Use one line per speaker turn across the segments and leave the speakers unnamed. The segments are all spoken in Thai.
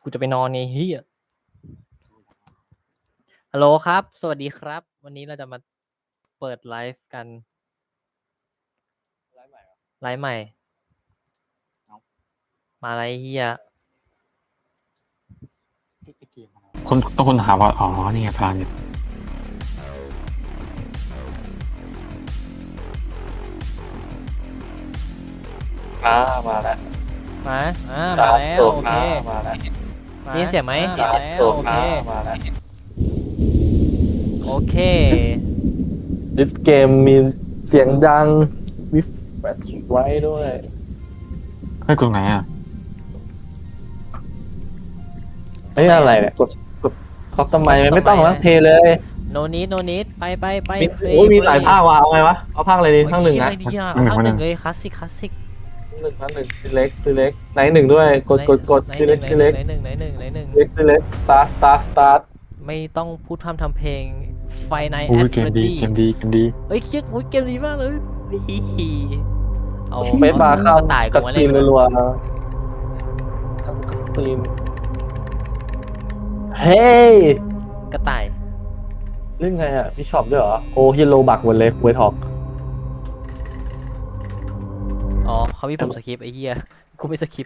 กูจะไปนอนไงเฮียฮัลโหลครับ สวัสดีครับ วันนี้เราจะมาเปิดไลฟ์กัน ไลฟ์ใหม่ มาอะไรเฮีย
คนถามว่าอ๋อนี่ไงพลานมาแล้ว
มาแล้วโอเค
มาแล้ว
ได้ยินเสียงไหมได้ยินแล้วโอเค
มาแล้ว
โอเค
This game มีเสียงดังมีแฟลชไว้ด้วย
ให้กดไหนอ่ะ
ไอ้ยอะไรเนี่ยกดคอสตอมไมไม่ต้องแล้วเพลเลย
no need ไป
โอ้ยมีหลายภาคว่ะเอาไงวะเอาภาคอะไรดีภาคหนึ่งนะ
อะไรดีอ่ะภาคหนึ่งเลยคลาสสิก
ภาคหนึ่ง select ไหนหนึ่งด้วยกด select
ไหนหนึ่ง
select start
ไม่ต้องพูดทำเพลงไฟใน
อู้
แอด
เก
เฟ
ม
รด
ดี
ดี้
เกมดี
เฮ้ยเกมดีมากเลยเอา
ไม่บาร์เข้าก
ระต่ายกู
กัด
มา
ซี
เล่น
นรัวๆทำกัดซีนเฮ้ย
กระต่าย
เล่นไงอ่ะพี่ช็อปด้วยเหรอโอ้ฮิโลบักหมดเลยเวทอก
อ๋อเขามีผมสคริปต์ไอ้เหี้ยกูไม่สคริปต์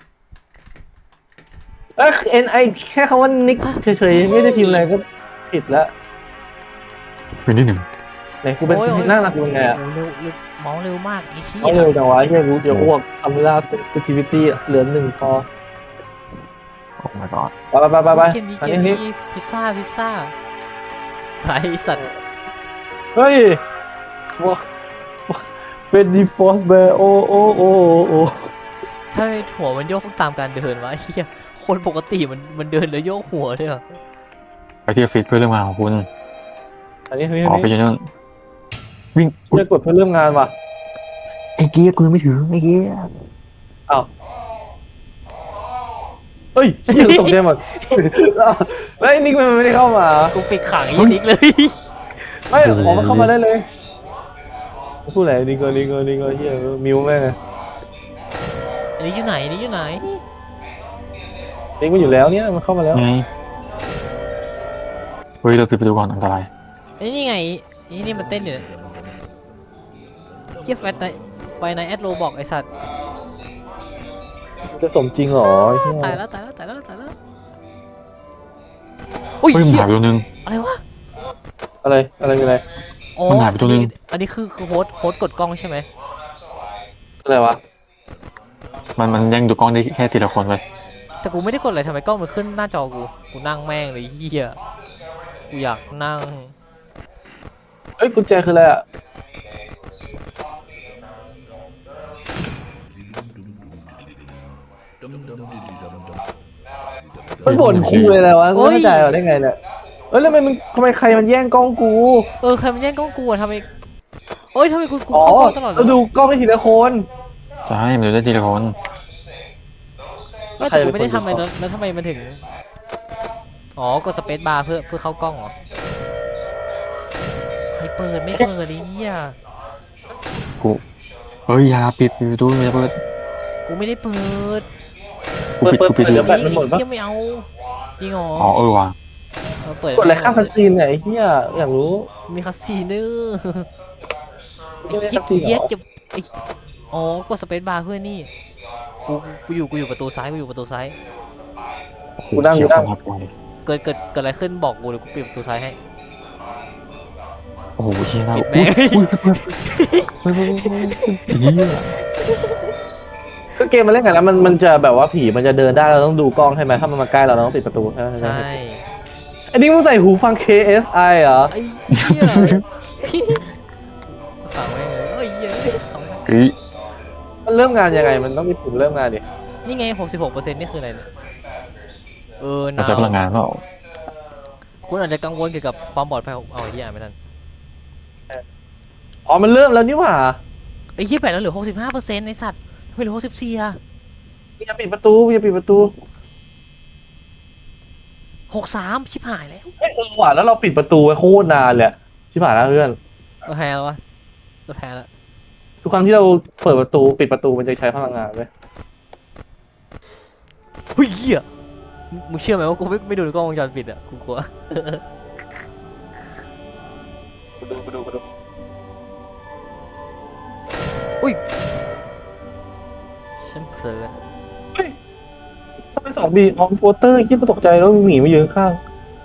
NI แค่คำว่านิกเฉยๆไม่ได้พิมพ์อะไรก็ผิดแล้ว
เป็นที่หนึ่ง
ไหนกูเป็นนั่งหลักยังไงอ่ะ
โอ้เร็วเมาส์เร็วมากไอ้เหี้ย
เอาเร็วจังวะเฮียกูจะอ้วกทำล่า sensitivity เหลือหนึ่งพอ
โอ้ my god
ไป
เกมนี้
อันนี้
พิซซ่าไอ้สัตว์
เฮ้ยว้าเป็นดีฟอสแบร์โอ้
ถ้าหัวมันโยกตามการเดินวะไอ้เหี้ยคนปกติมันเดินแล้วโยกหัวด้วยเหรอ
ไปที่ออฟฟิศเพื่อเรื่องงานของคุณ
อันนี้
ออฟฟิศอยู่นู่นวิ่ง
จะกดเพื่อเริ่มงานว่ะ
ไอ้เกี้ยกูยังไม่ถึงไอ้เกี้ย
อ้าวเฮ้ยเฮียตกใจหมดแล้วไอ้นิกมันไม่ได้เข้ามา
กูฟิกขังไอ้นิกเลย
ไม่ออกมาเข้ามาได้เลยพูดอะไรนิกก็เฮียมิวแม่ง
อันนี้อยู่ไหน
นิกมันอยู่แล้วเนี่ยมันเข้ามาแล้ว
ไงเฮ้ยเราปิดประตูก่อนอันตราย
ไอ้นี่ไงไอ้นี่มันเต้นอยู่เหี้ยไฟในแอดโรบอกไอ้สัตว์
จะสมจริงเหรอ
ตายแล้วอุ้ย
เฮ้ยมัน
เหี้ย
หายไปตัวนึง
อะไรวะ
อะไรมีอะไร
อ๋อ
มันหายไปตัวนึง
อันนี้คือโฮสต์กดกล้องใช่ไหม
อะไรวะ
มันแย่งดูกล้องได้แค่ทีละคนเลย
แต่กูไม่ได้กดอะไรทำไมกล้องมันขึ้นหน้าจอกูนั่งแม่งเลยเหี้ยกูอยากนั่ง
เอ้ยกุญแจคืออะไรอ่ะมันบ่นคูเลยอะไรวะไม่เข้าใจหรอได้ไงเนี่ยแล้วทำไมใครมันแย่งกล้องกู
ใครมันแย่งกล้องกูอะทำไมทำไมกู
อ๋อ
เข้ากล้องตลอดเลย
เราดูกล้องได้ทีละคน
ใช่มันดูได้ทีละคน
ไม่แต่กูไม่ได้ทำอะไรแล้วทำไมมันถึงกดสเปซบาร์เพื่อเข้ากล้องเหรอใครเปิดไม่เปิดดิเหี้ย
กูเฮ้ยอย่าปิดประตูอย่าเปิด
กูไม่ได้เปิด
กูปิด
เดี๋ยว
เล
แบ
ย
ตมันหมดปะ
เหี้ยไม่เอาจริงเหรอ
อ๋อว่ะ
เปิด
กดอะไรข้ามคาซีนเนี่ยไอ้เหี้ยอยากรู้
มีคาสิโนไอ้
ไม่
เหี้ย
ได้คาสิโน
เหี้ยจะไอ้กดสเปซบาร์เพื่อนี่กูอยู่ประตูซ้าย
กูนั่ง
เขียวครับ
เกิดอะไรขึ้นบอกกูเดี๋ยวกูปิดประตูซ้ายให้
โอ้โหเชี่ยนะ
ปิดแม่ง
เฮีย
คือเกมมันเล่นกันแล้วมันจะแบบว่าผีมันจะเดินได้เราต้องดูกล้องใช่ไหมถ้ามันมาใกล้เราต้องปิดประตูใช่ไหม
ใช่
อันนี้มึงใส่หูฟัง KSI เหรอ
ไอ้เหี้ยฟังแม่งเลยเหี้ย
เฮ้ย
มันเริ่มงานยังไงมันต้องมีปุ่มเริ่มงานดิ
นี่ไง 66%นี่คืออะไรเนี่ย
มันใช้พลังงานเปล่า
คุณอาจจะกังวลเกี่ยวกับความปลอดภัยของไอ้เหี้ยไม่ทัน
อ๋อมันเริ่มแล้วนี่หว่า
ไอ้เหี้ยแปดแล้วเหลือ 65%ไอ้สัตว์ไม่เหลือ64อ่ะ
อย่าปิดประตู
63ชิบหายแล้ว
เฮ้ยว่ะแล้วเราปิดประตูไว้โคตรนานเลยชิบหายแล้วเพื่อน
เราแพ้แล้ววะเราแพ้แล้ว
ทุกครั้งที่เราเปิดประตูปิดประตูมันจะใช้พลังงานไหม
เฮ้ยเหี้ยมึงเชื่อไหมว่ากูไม่ดูกล้องวงจรปิดอ่ะกูกลัว
ไปดู
อุ้ยฉันเสือ
ถ้าเป็น2Bออมโปสเตอร์คิดมาตกใจแล้วมีหมีมายืนข้าง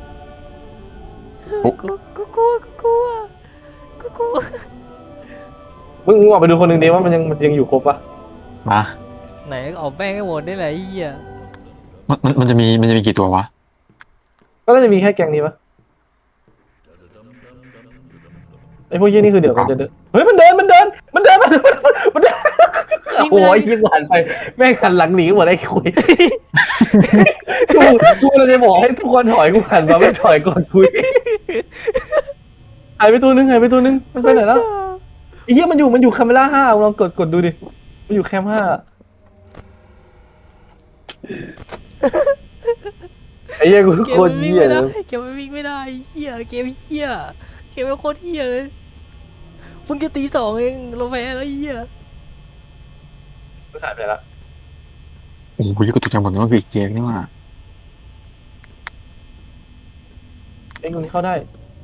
กูกลัวกูกลัวกูกลัว
มึงออกไปดูคนหนึ่งดีว่ามันยังอยู่ครบปะ
มา
ไหนออกแป้งให้หมดได้เลยไอ้เหี้ย
มันจะมีกี่ตัววะ
ก็น่าจะมีแค่แกงนี้ปะไอพวกยี่นี่คือเดี๋ยวมันจะเดินเฮ้ยมันเดินโอ้ยยิงหันไปแม่งหันหลังหนีหมดไอ้คุยกูเลยจะบอกให้ทุกคนถอยกูหันมาไม่ถอยก่อนคุยหายไปตัวนึงมันไปไหนแล้วไอ้เหี้ยมันอยู่คาเมล่า5ลองกดดูดิมันอยู่แคม5ไอ้เหี้ยกู
เก
โค
ม
ตร
มันวิ่ง
เหี้ย
ไม่
เล
ได้
ย
เกมมันวิ่งไม่ได้เหี้ยเกมเหี้ยเกมมันโคตรเหี้ยเลยมึงจะตี2เองเราแพ้แล้วเหี้ย
มันหายไปแล้ว
โอ้โหกูตกใจหมดเลยว่าคือเกมนี่ว่า
ไอ้คนนี้เข้าได้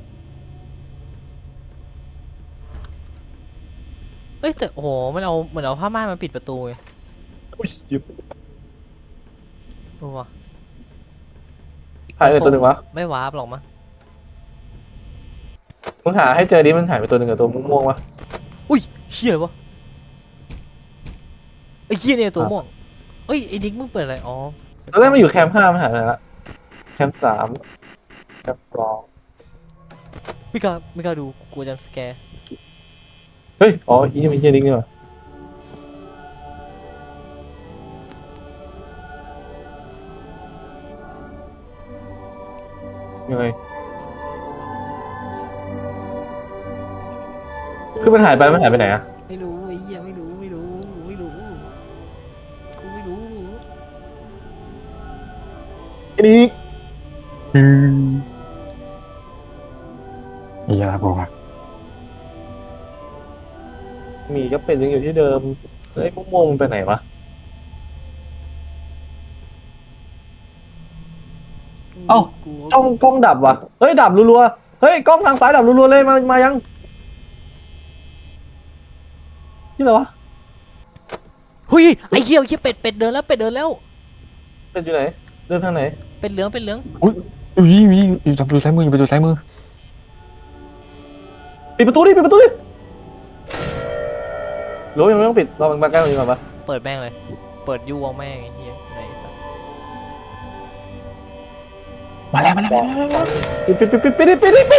เอ้ยแต่โอ้โหมันเอาเหมือนเอาผ้าม่านมาปิดประตูไง
อุ้ยหยิบ
โอ้วะ
หายไปตัวหนึ่งวะ
ไม่วาร์ปหรอกมั้ง
มึงหาให้เจอดิมันหายไปตัวหนึ่งกับตัวม่วงๆวะ
อุ้ยเหี้ยวะไอ้เหี้ยเนี่ยตัวม่วงเอ้ยไอ้ดิ๊กมึงเปิดอะไรอ๋อ
ตอนแรกมันอยู่แคมป์5มันหายไปไหนละแคมป์3แคมป์2
ไม่กล้าดูกลัวจำสแกร์
เฮ้ยอ๋ออีนี่มันเฮียดิ๊กนี่หว่ายังไงคือมันหายไปไหนอะ
ไม่รู้ไอ้เหี้ยไม่รู้กูไม่รู้
ไอ้นี่
ไอ้ยาบอกว่า
หมีก็เป็นยังอยู่ที่เดิมไอ้ม่วงๆมันไปไหนวะ เอ้า กล้องดับว่ะเฮ้ยดับรัวๆเฮ้ยกล้องทางซ้ายดับรัวๆเลยมายังนี่อะไรวะ
หุยไอ้เหี้ยเป็ดเดินแล้ว
เป็นอยู่ไหนเดินทางไหน
เป็ดเหลือง
อุ้ยอยู่ทางประตูซ้ายมืออยู่ประตูซ้ายมือ
ปิดประตูดิหรือว่ายังไม่ต้องปิดรอมันมาใกล้กว่านี้ก่อนปะ
เปิดแม่งเลยเปิดยูวงแม่งไอ้เหี้ยไหนสัส
มาแล้ว
ปิด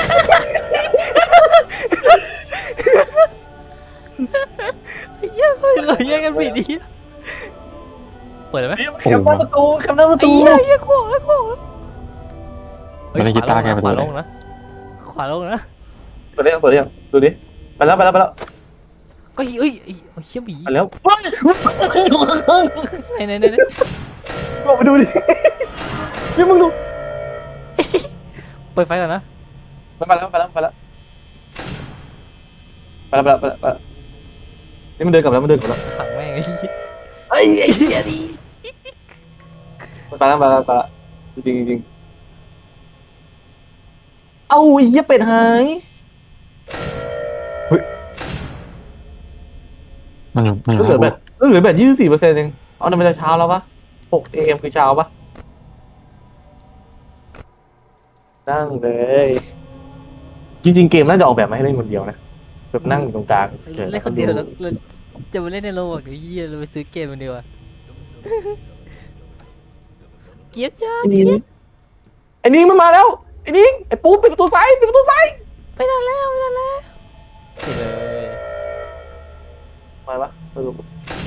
ไอ้เหี้ยเราแย่งกันปิดไอ้เหี้ยเปิดเลยไหม
แคมป์หน้าประตู
ไอ้เหี้ยขวาเฮ้ย
ไม่ได้กีตาร์แกประ
ข
ตู
วา
เล
ล
ย
งนะขวาลงนะ
เปิดได้ยังดูดิไปแล้ว
ก็เฮ้ยไอ้เหี้ยบี
ไปแล้ว
ไหน
ลองไปดูดินี่มึงดู
เปิดไฟก่อนนะ
ไปแล้วนี่มันเดินกลับแล้ว
ขังแม่งไอ้เหี้ย
ไอ้เหี้ยดิไปแล้วจริงเอาไอ้เหี้ยเป็ดหาย
มันอยู่
เหลือแบบ24%เองเอานั่นมันจะเช้าแล้วปะ6 AM คือเช้าปะนั่งเลยจริงๆเกมน่าจะออกแบบมาให้เล่นคนเดียวนะแบบนั่งอยู่ตรงกลาง
เล่นคนเดียวแล้วจะมาเล่นในโลกเดี๋ยวเหี้ยเราไปซื้อเกมมันดีกว่าเกียบจ้า
ไอ้นิ้งมันมาแล้วไอ้นิ้งไอ้ปูปิดประตูซ้าย
ไปนานแล้วปิดเลย
มาปะไม่รู้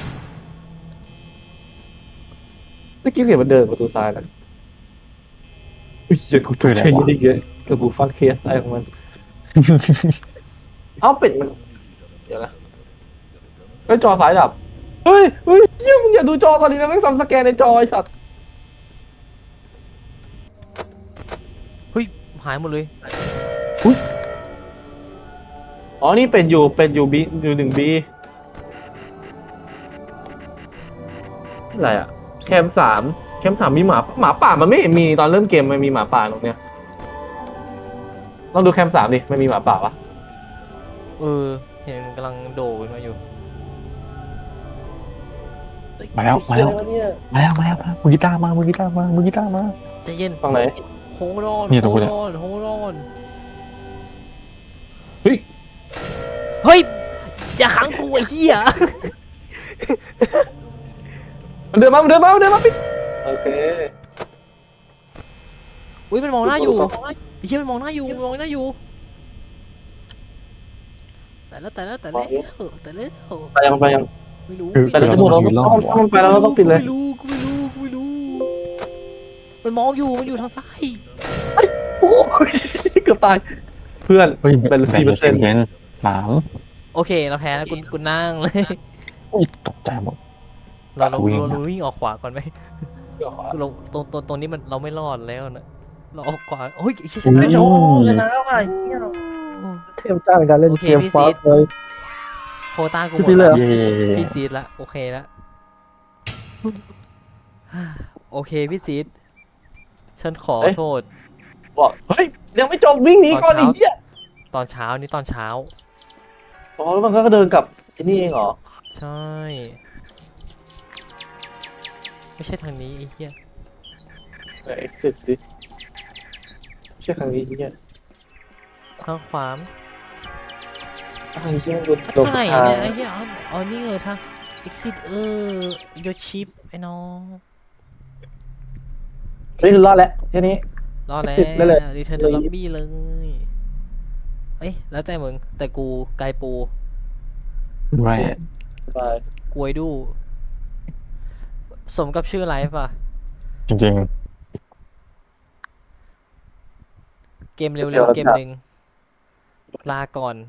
เมื่อกี้เสียงมันเดินประตูซ้ายนะอุ้ยเดี๋ยวกูตกใจเยอะกับกูฟังเคสอะไรของมัน เอ้าเป็ดมันเดี๋ยวนะไอ้จอซ้ายดับเฮ้ยเหี้ยมึงอย่าดูจอตอนนี้นะแม่งซ้ำสแกนในจอไอ้สัตว์
เฮ้ยหายหมดเลย
อ๋อนี่เป็นอยู่บีอยู่1B อะไรอะแคม3 แคมป์3มีหมาป่ามันไม่เห็นมีตอนเริ่มเกมมันมีหมาป่าตรงเนี้ยลองดูแคมป์3ดิมันมีหมาป่าปะ
เออเห็นมันกำลังโดดขึ้นมาอยู่
มาแล้วมาแล้ว
เนี่ย
มาแล้วมาแล้วมือกีตาร์มามือกีตาร์มามือกีตาร์มา
ใจเย็น
ฝั่งไหน
โฮรอน
นี่ตรงกูเนี่ย
โฮรอน
เฮ้ย
เฮ้ยอย่าขังกูไอ้เหี้ย
มันเดินมาปิดโอเค
อุ้ยมันมองหน้าอยู่ไอ้เหี้ยมันมองหน้าอยู่มันมองหน้าอยู่แต่แล้ว
ไปยัง
ไม่รู้
คือ
แต่เราจะหมดแล้วถ้ามันไปแล้วเราต้องปิดเลย
กูไม่รู้มันมองอยู่มันอยู่ทางซ้าย
โอ้ยเกือบตายเพื่อน
เฮ้ย
เป็น
แบ่งเป็น
4%
เย็นหนาม
โอเคเราแพ้แล้วกูนั่งเลย
อุ้ยตกใจหมด
เรา
วิ่ง
วิ่งออกขวาก่อนไหมเราตรงนี้มันเราไม่รอดแล้วนะเราออกขวาโอ้ยไอ้เชี่ยช
อุ้
นะ
ย
ชนะว่ะเทมจ้าในการเล่น
โอเค
เกม
พี่
ฟา
ซี
ส
ด
เลย
โควต้ากูหม
พี่ซี
ด
ดเลย
แล้ว
เหรอ
เย่
พี่ซีดละโอเคละโอเคพี่ซีดฉันขอโทษ
บอกเฮ้ยยังไม่จบวิ่งหนีก่อนไอ้เหี้ย
ตอนเช้านี่ตอนเช้า
อ๋อแล้วมันก็เดินกลับไอ้นี่เองเหรอ
ใช่ ไม่ใช่ทางนี้ไอ้เหี้ย
เอ็กซิสดิไม่ใช่ครั้งนี้ไอ้เหี้ย
ทางขวาม
ทางนี้โดน
ทางไหนเนี่ยไอ้เหี้ยอ๋อนี่ทาง exit โยชิปไอ้น้อง
นี่คือรอดแล้วแค่นี้
รอดแล้ว
exit ได้เลย
return to lobby เลยเอ้ยแล้วแต่มึงแต่กูไกลปู
ไร
ไป
กวยดู สมกับชื่อไลฟ์ป่ะ
จริง
เกมเร็วๆเกมหนึ่งลาก่อน